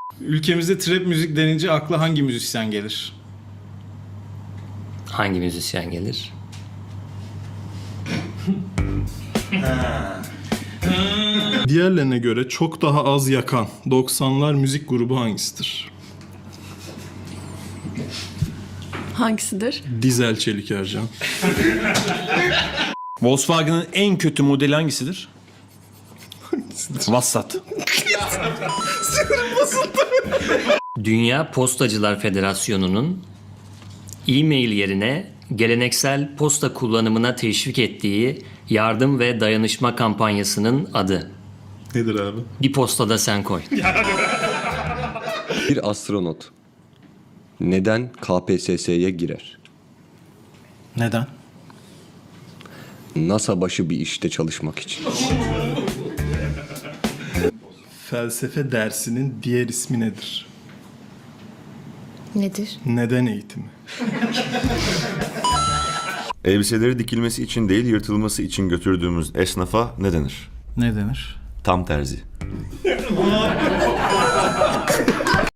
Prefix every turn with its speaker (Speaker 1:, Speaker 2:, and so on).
Speaker 1: Ülkemizde trap müzik denince akla hangi müzisyen gelir?
Speaker 2: Hangi müzisyen gelir?
Speaker 3: Diğerlerine göre çok daha az yakan 90'lar müzik grubu hangisidir?
Speaker 4: Hangisidir?
Speaker 3: Dizel Çelik Ercan.
Speaker 5: Volkswagen'ın en kötü modeli hangisidir? Vassat.
Speaker 2: Dünya Postacılar Federasyonu'nun e-mail yerine geleneksel posta kullanımına teşvik ettiği yardım ve dayanışma kampanyasının adı.
Speaker 3: Nedir abi?
Speaker 2: Bir postada sen koy.
Speaker 6: Bir astronot neden KPSS'ye girer?
Speaker 1: Neden?
Speaker 6: NASA başı bir işte çalışmak için.
Speaker 3: Felsefe dersinin diğer ismi nedir?
Speaker 4: Nedir?
Speaker 3: Neden eğitimi?
Speaker 7: Elbiseleri dikilmesi için değil yırtılması için götürdüğümüz esnafa ne denir?
Speaker 1: Ne denir?
Speaker 7: Tam terzi.